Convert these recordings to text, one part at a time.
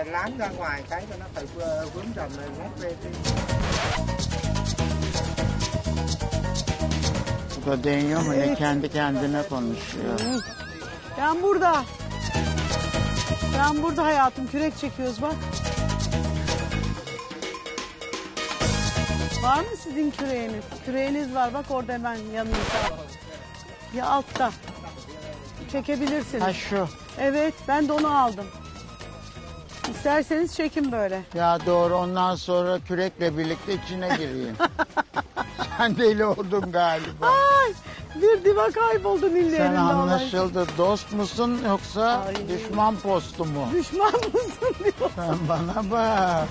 láng ra ngoài cái cho nó phải vướng dầm này ngót về đi. Bu da deniyor mu ne kendi kendine konuşuyor. Ben burada. Ben burada hayatım. Kürek çekiyoruz bak. Var mı sizin küreğiniz? Küreğiniz var bak orada hemen yanınızda. Ya altta. Çekebilirsiniz. Ha şu. Evet ben de onu aldım. İsterseniz çekin böyle. Ya doğru ondan sonra kürekle birlikte içine gireyim. Sen deli oldun galiba. Ay bir diva kayboldu nillerinde. Sen anlaşıldı. Dost musun yoksa Ay. düşman postu mu? Düşman mısın diyor. Sen bana bak.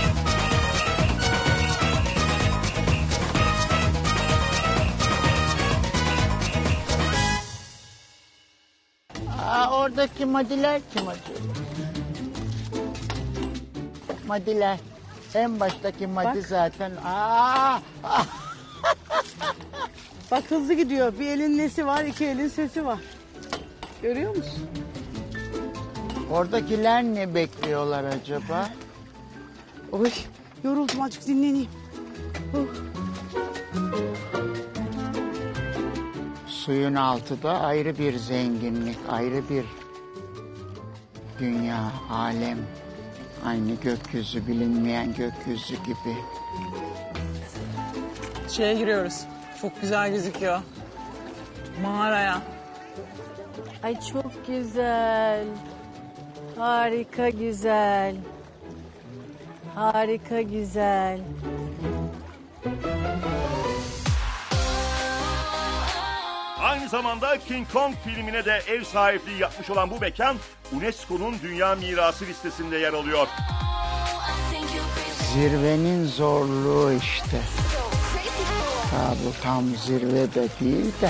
Oradaki madiler kim acaba? Madiler. En baştaki madi Bak. zaten. Bak hızlı gidiyor. Bir elin nesi var, iki elin sesi var. Görüyor musun? Oradakiler ne bekliyorlar acaba? Oy yoruldum azıcık dinleneyim. Suyun altı da ayrı bir zenginlik, ayrı bir dünya, alem. Aynı gökyüzü, bilinmeyen gökyüzü gibi. Şeye giriyoruz. Çok güzel gözüküyor. Mağaraya. Ay çok güzel. Harika güzel. Harika güzel. Aynı zamanda King Kong filmine de ev sahipliği yapmış olan bu mekan UNESCO'nun Dünya Mirası listesinde yer alıyor. Zirvenin zorluğu işte. Ha, bu tam zirve de değil de.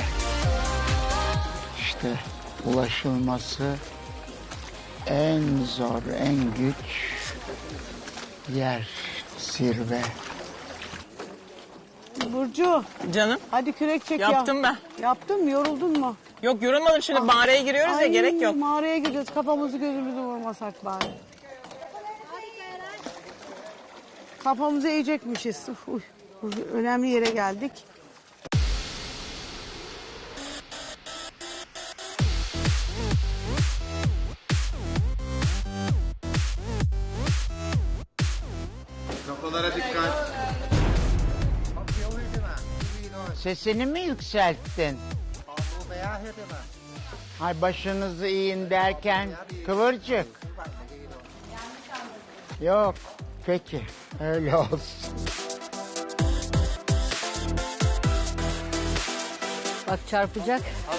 İşte ulaşılması en zor, en güç yer zirve. Burcu Canım hadi kürek çek ya. yaptım ben. Yaptın mı yoruldun mu? Yok yorulmadım şimdi mağaraya giriyoruz ya gerek yok. Mağaraya gidiyoruz kafamızı gözümüzü vurmasak bari. Kafamızı eğecekmişiz. Uy, önemli yere geldik. Kafalara dikkat. Sesini mi yükselttin? Ay başınızı eğin derken kıvırcık. Yok. Peki. Öyle olsun. Bak çarpacak.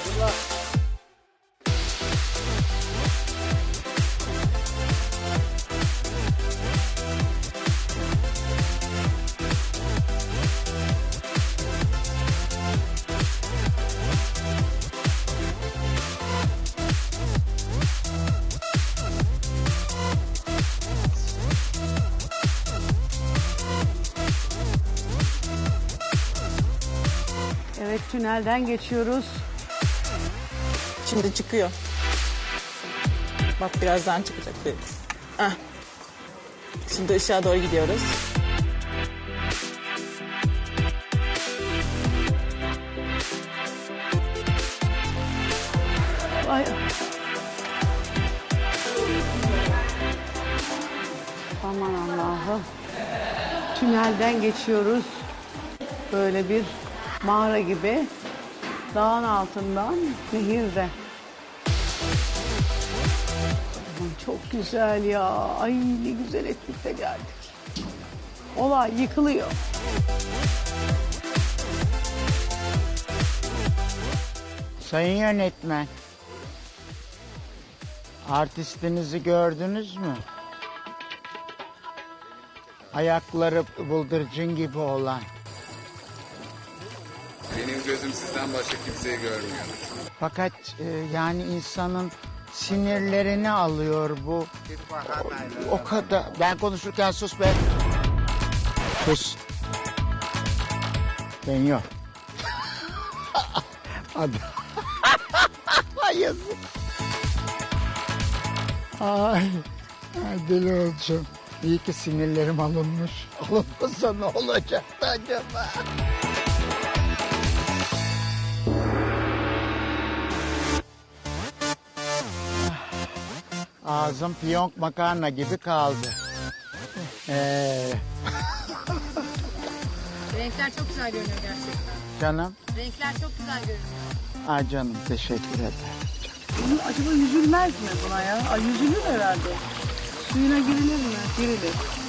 Evet tünelden geçiyoruz. Şimdi çıkıyor. Bak birazdan çıkacak. Ah. Şimdi ışığa doğru gidiyoruz. Ay. Aman Allah'ım. Tünelden geçiyoruz. Böyle bir mağara gibi. Dağın altından nehirde. Aman çok güzel ya. Ay ne güzel ettik de geldik. Olay yıkılıyor. Sayın yönetmen. Artistinizi gördünüz mü? Ayakları bıldırcın gibi olan. Benim gözüm sizden başka kimseyi görmüyor. Fakat yani insanın sinirlerini alıyor bu. O kadar. Ben konuşurken sus be. Sus. Ben yok. Hadi. Yazık. Ay. Ay deli olacağım. İyi ki sinirlerim alınmış. Alınmasa ne olacaktı acaba? Ağzım piyonk makarna gibi kaldı. Renkler çok güzel görünüyor gerçekten. Canım. Renkler çok güzel görünüyor. Ay canım teşekkür ederim. Acaba yüzülmez mi buna ya? Ay yüzülür herhalde. Suyuna girilir mi? Girilir.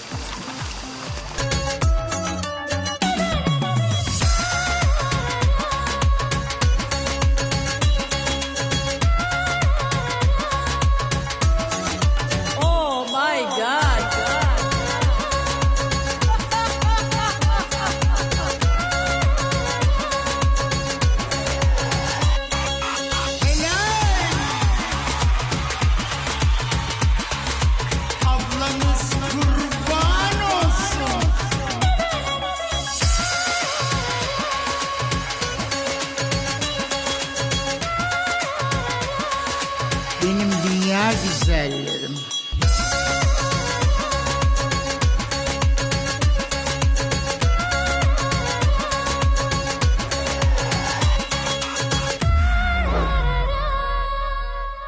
Oh my God. Ablanız kurban olsun. Benim dünya güzellerim.